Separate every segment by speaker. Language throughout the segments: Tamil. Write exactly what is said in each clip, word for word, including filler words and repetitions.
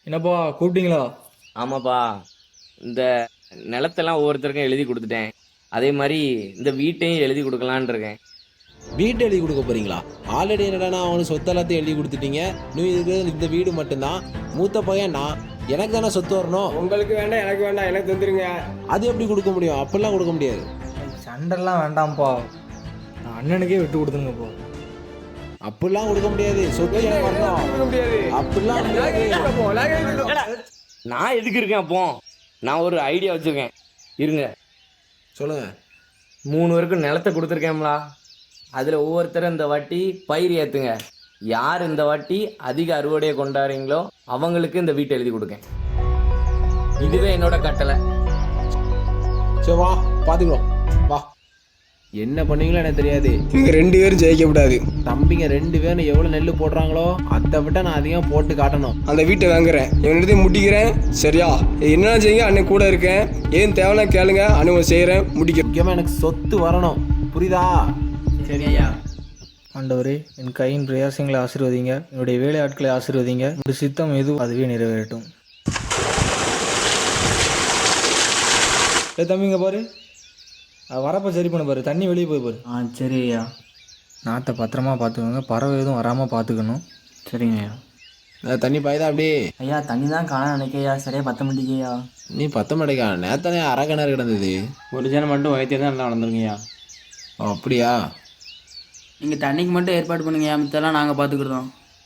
Speaker 1: என்னப்பா கூப்பிட்டீங்களா?
Speaker 2: ஆமாப்பா. இந்த நிலத்தெல்லாம் ஒவ்வொருத்தருக்கும் எழுதி குடுத்துட்டேன். அதே மாரி இந்த வீட்டையும் எழுதி குடுக்கலான்னு இருக்கேன்.
Speaker 3: வீட்டு எழுதி கொடுக்க போறீங்களா? ஆல்ரெடி என்னடா அவனுக்கு சொத்து எல்லாத்தையும் எழுதி கொடுத்துட்டீங்க. நீ இது இந்த வீடு மட்டும்தான். மூத்த பையன் நான், எனக்கு தானே சொத்து வரணும்.
Speaker 4: உங்களுக்கு வேண்டாம், எனக்கு வேண்டாம், எனக்கு தந்துருங்க.
Speaker 3: அது எப்படி கொடுக்க முடியும்? அப்படிலாம் கொடுக்க முடியாது.
Speaker 1: சண்டைலாம் வேண்டாம்ப்பா, நான் அண்ணனுக்கே விட்டு கொடுத்துருங்கப்பா.
Speaker 3: அப்படிலாம் கொடுக்க முடியாது. சொத்து எனக்கு வரணும்.
Speaker 4: கொடுக்க முடியாது.
Speaker 3: அப்படிலாம் முடியாது.
Speaker 4: கேட்போம், நாங்க கேட்போம்.
Speaker 2: நான் எதுக்கு இருக்கேன் அப்போ? நான் ஒரு ஐடியா வச்சிருக்கேன். இருங்க.
Speaker 3: சொல்லுங்க.
Speaker 2: மூணு பேருக்கு நிலத்தை கொடுத்துருக்கேன்லா. அதில் ஒவ்வொருத்தரும் இந்த வாட்டி பயிர் ஏற்றுங்க. யார் இந்த வாட்டி அதிக அறுவடையை கொண்டாடுறீங்களோ அவங்களுக்கு இந்த வீட்டை எழுதி கொடுக்கேன். இதுவே என்னோட கட்டளை.
Speaker 3: சரி வா, பார்த்துக்கிறோம். வா, என்ன பண்ணீங்களோ எனக்கு தெரியாது.
Speaker 4: நீங்க ரெண்டு பேரும் ஜெயிக்க கூடாது.
Speaker 3: தம்பிங்க ரெண்டு பேரும் எவ்வளோ நெல் போடுறாங்களோ அதை விட நான் அதிகம் போட்டு காட்டணும்.
Speaker 4: அந்த வீட்டை வாங்குறேன், இவனிடத்தையும் முட்டிக்கிறேன். சரியா? என்ன செய்யுங்க, அண்ணன் கூட இருக்கேன். ஏன் தேவைன்னா கேளுங்க, அண்ணன் செய்கிறேன், முடிக்கிறேன்.
Speaker 3: முக்கியமாக எனக்கு சொத்து வரணும். புரியுதா?
Speaker 2: சரி ஐயா.
Speaker 1: ஆண்டவரே, என் கையின் பிரயாசங்களை ஆசீர்வதிங்க, என்னுடைய வேலை ஆட்களை ஆசீர்வதிங்க. ஒரு சித்தம் எதுவும் அதுவே நிறைவேறட்டும். ஏ தம்பிங்க பாரு, அது வரப்போ சரி பண்ண பாரு, தண்ணி வெளியே போய் பாரு.
Speaker 5: ஆ சரி ஐயா.
Speaker 1: நாற்றை பத்திரமா பார்த்துக்கோங்க, பறவை எதுவும் வராமல் பார்த்துக்கணும்.
Speaker 5: சரிங்க ஐயா.
Speaker 3: நான் தண்ணி பாய்தா அப்படி?
Speaker 5: ஐயா தண்ணி தான் காண நினைக்கையா, சரியா பத்த மாட்டேங்கய்யா.
Speaker 3: நீ பத்த மாட்டேக்கா? நேத்தானே அரை கிணறு கிடந்தது.
Speaker 5: ஒரு ஜனம் மட்டும் வயிற்று தான் நல்லா நடந்துருங்கய்யா.
Speaker 3: ஓ அப்படியா?
Speaker 5: நீங்கள் தண்ணிக்கு மட்டும் ஏற்பாடு பண்ணுங்கய்யா, மித்தெல்லாம் நாங்கள் பார்த்துக்கிட்டோம்.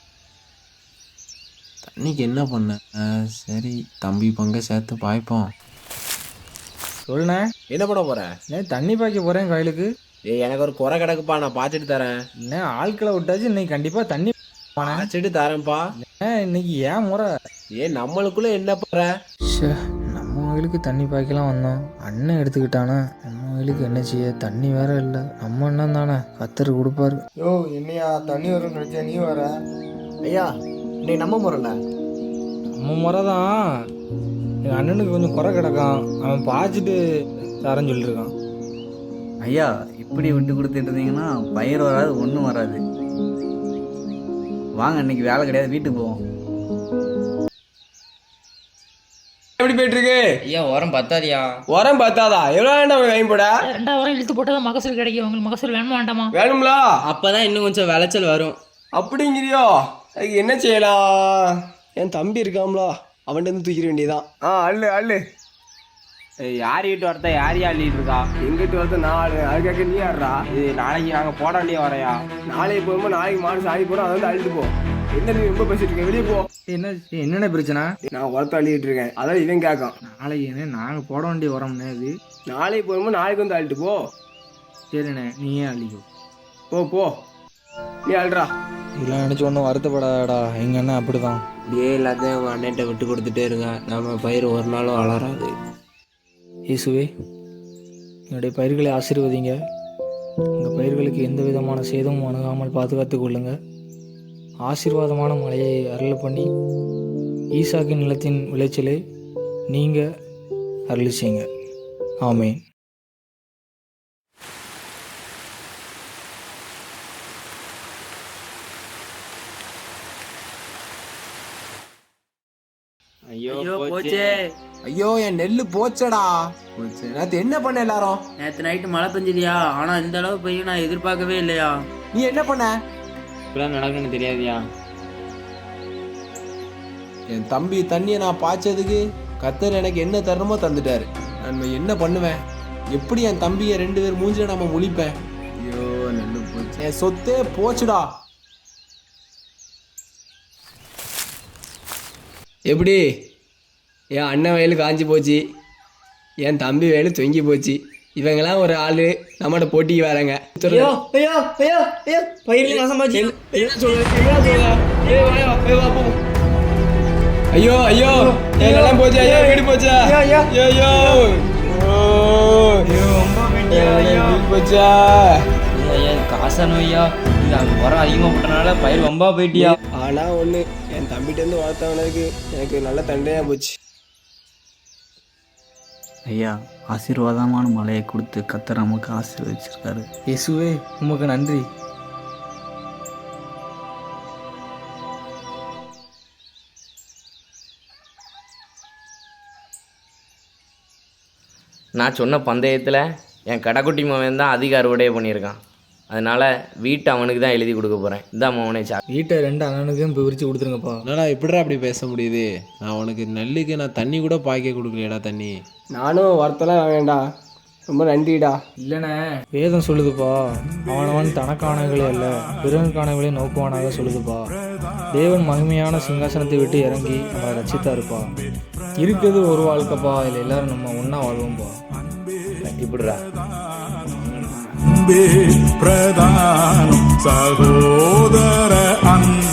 Speaker 3: தண்ணிக்கு என்ன பண்ண? சரி, தம்பி பங்கை சேர்த்து பாய்ப்போம்.
Speaker 1: சொல்லுண்ணே,
Speaker 3: என்ன பண்ண போற?
Speaker 1: ஏன் தண்ணி பாய்க்க போகிறேன் கோயிலுக்கு.
Speaker 3: ஏய், எனக்கு ஒரு குறை கிடக்குப்பா, நான் பாய்ச்சிட்டு தரேன்.
Speaker 1: என்ன ஆட்களை விட்டாச்சு, இன்னைக்கு கண்டிப்பாக தண்ணி
Speaker 3: பாய்ச்சிட்டு தரேன்ப்பா.
Speaker 1: ஏன் இன்னைக்கு ஏன் முறை?
Speaker 3: ஏன் நம்மளுக்குள்ள என்ன போற?
Speaker 1: ஷே, நம்ம கோயிலுக்கு தண்ணி பாய்க்கலாம் வந்தோம், அண்ணன் எடுத்துக்கிட்டானா. நம்ம கோயிலுக்கு என்ன செய்ய, தண்ணி வேற இல்லை. நம்ம அண்ணன் தானே, கத்தர் கொடுப்பாரு.
Speaker 4: யோ, என்னையா தண்ணி வரும்னு நினைச்சா நீ வர?
Speaker 5: ஐயா இன்னைக்கு நம்ம முறைல
Speaker 1: நம்ம முறை தான். எங்கள் அண்ணனுக்கு கொஞ்சம் குறை கிடக்கான், அவன் பாய்ச்சிட்டு தரேன்னு சொல்லியிருக்கான்.
Speaker 5: ஐயா இப்படி விட்டு கொடுத்துட்டு இருந்தீங்கன்னா பயிர் வராது, ஒன்றும் வராது. வாங்க, இன்னைக்கு வேலை கிடையாது, வீட்டுக்கு போவோம்.
Speaker 4: எப்படி போயிட்டு இருக்கு?
Speaker 2: ஐயா உரம் பத்தாதியா?
Speaker 4: உரம் பார்த்தாதா? எவ்வளோ வேண்டாம் கையும் போட?
Speaker 6: ரெண்டாவது வாரம் இழுத்து போட்டால் மகசூல் கிடைக்கும். உங்களுக்கு மகசூல் வேணுமா வேண்டாமா?
Speaker 4: வேணும்ல?
Speaker 5: அப்பதான் இன்னும் கொஞ்சம் விளைச்சல் வரும்.
Speaker 4: அப்படிங்கிறியோ? அதுக்கு என்ன செய்யலாம்? என் தம்பி இருக்காம்ல, அவன்கிட்ட இருந்து தூக்கிட வேண்டியதான். ஆ அள்ளு அள்ளு.
Speaker 5: யார் வீட்டு வரத்த யார் யார் அள்ளிட்டு இருக்கா?
Speaker 4: எங்கிட்ட வந்து நாலு அதுக்காக நீ ஆடுறா.
Speaker 5: இது நாளைக்கு நாங்கள் போட வேண்டிய வரையா?
Speaker 4: நாளைக்கு போகும்போது நாளைக்கு மாடு சாடி போடும், அதை வந்து அள்ளிட்டு போ. என்ன நீ ரொம்ப பேசிட்டு இருக்க, வெளியே போ.
Speaker 1: என்ன என்னென்ன பிரச்சனை?
Speaker 4: நான் உரத்தை அள்ளிட்டு இருக்கேன், அதான் இவன் கேட்கான்.
Speaker 1: நாளைக்கு என்ன நாங்கள் போட வேண்டிய உரம்ண்ணே இது.
Speaker 4: நாளைக்கு போகும்போது நாளைக்கு வந்து அள்ளிட்டு போ.
Speaker 1: சரிண்ணே, நீ ஏன் அழிக்கோ?
Speaker 4: போ போ, நீ அல்றா.
Speaker 1: இதெல்லாம் நினச்சி ஒன்றும் வருத்தப்படாதடா, எங்கள் அண்ணன் அப்படி தான்.
Speaker 3: இப்படியே எல்லாத்தையும் உங்கள் அண்ணன்ட்ட விட்டு கொடுத்துட்டே இருங்க. நம்ம பயிர் ஒரு நாளும் வளராது.
Speaker 1: இயேசுவே, என்னுடைய பயிர்களை ஆசீர்வதிங்க. எங்கள் பயிர்களுக்கு எந்த விதமான சேதமும் அணுகாமல் பாதுகாத்து கொள்ளுங்க. ஆசீர்வாதமான மழையை அருள் பண்ணி ஈசாக்கின் நிலத்தின் விளைச்சலை நீங்கள் அருள் செய்யுங்க. ஆமென்.
Speaker 2: ஐயோ
Speaker 5: போச்சே.
Speaker 3: ஐயோ, என் நெல்லு போச்சடா. போச்சு. நேத்து என்ன பண்ண எல்லாரும்?
Speaker 5: நேற்று நைட்டு மழை பெஞ்சிருயா, ஆனால் இந்த அளவு பெய்யும் நான் எதிர்பார்க்கவே இல்லையா.
Speaker 3: நீ என்ன பண்ண?
Speaker 5: இப்படிலாம் நடக்குன்னு தெரியாதியா.
Speaker 3: என் தம்பி தண்ணியை நான் பாய்ச்சதுக்கு கத்தர் எனக்கு என்ன தரணுமோ தந்துட்டாரு. நான் என்ன பண்ணுவேன்? எப்படி என் தம்பியை ரெண்டு பேர் மூஞ்சில நம்ம முழிப்பேன்? ஐயோ, நெல்லு போச்சு. என் சொத்தே போச்சுடா.
Speaker 4: எப்படி? என் அண்ணன் வயலு காஞ்சி போச்சு, என் தம்பி வயலு தொங்கி போச்சு. இவங்கெல்லாம் ஒரு ஆளு நம்மகிட்ட போட்டிக்கு வராங்க.
Speaker 5: ஐயோ ஐயோ ஐயோ ஐயோ பயிரில் நாசமாச்சு.
Speaker 4: ஐயோ ஐயோ, எங்கெல்லாம் போச்சு. ஐயோ, வீடு போச்சா? ஐயோ போச்சா?
Speaker 5: காசனோ ஐயா, இது அங்கே உரம் அதிகமாக போட்டனால பயிர் வம்பா போயிட்டியா.
Speaker 4: ஆனா ஒண்ணு, என் தம்பிகிட்டேருந்து வளர்த்தவனுக்கு எனக்கு நல்ல தண்டையாக போச்சு.
Speaker 5: ஐயா ஆசீர்வாதமான மழையை கொடுத்து கத்தர் நமக்கு ஆசீர்வதிச்சிருக்காரு.
Speaker 1: இயேசுவே, உமக்கு நன்றி.
Speaker 2: நான் சொன்ன பந்தயத்தில் என் கடைக்குட்டி மகன் தான் அதிக அறுவடையே பண்ணியிருக்கான். அதனால் வீட்டை அவனுக்கு தான் எழுதி கொடுக்க போகிறேன். இதான் மகனே சா.
Speaker 1: வீட்டை ரெண்டு அண்ணனுக்கும் பிரித்து கொடுத்துருங்கப்பா.
Speaker 3: என்னடா இப்படிடா அப்படி பேச முடியுது? நான் உனக்கு நெல்லுக்கு நான் தண்ணி கூட பாய்க்க கொடுக்கலையடா தண்ணி.
Speaker 4: நானும் வரத்தெல்லாம் வேண்டாம், ரொம்ப நன்றிடா.
Speaker 1: இல்லைண்ணே, வேதம் சொல்லுதுப்பா, அவனவன் தனக்கானவர்களே அல்ல பிறனுக்கானவர்களே நோக்குவானாக சொல்லுதுப்பா. தேவன் மகிமையான சிங்காசனத்தை விட்டு இறங்கி நம்மளை ரட்சித்தாருப்பா. இருக்கிறது ஒரு வாழ்க்கைப்பா, இதில் எல்லாரும் நம்ம ஒன்றா வாழ்வோம்ப்பா.
Speaker 2: இப்படிடா
Speaker 7: பிரதானம் சகோதர அன்பு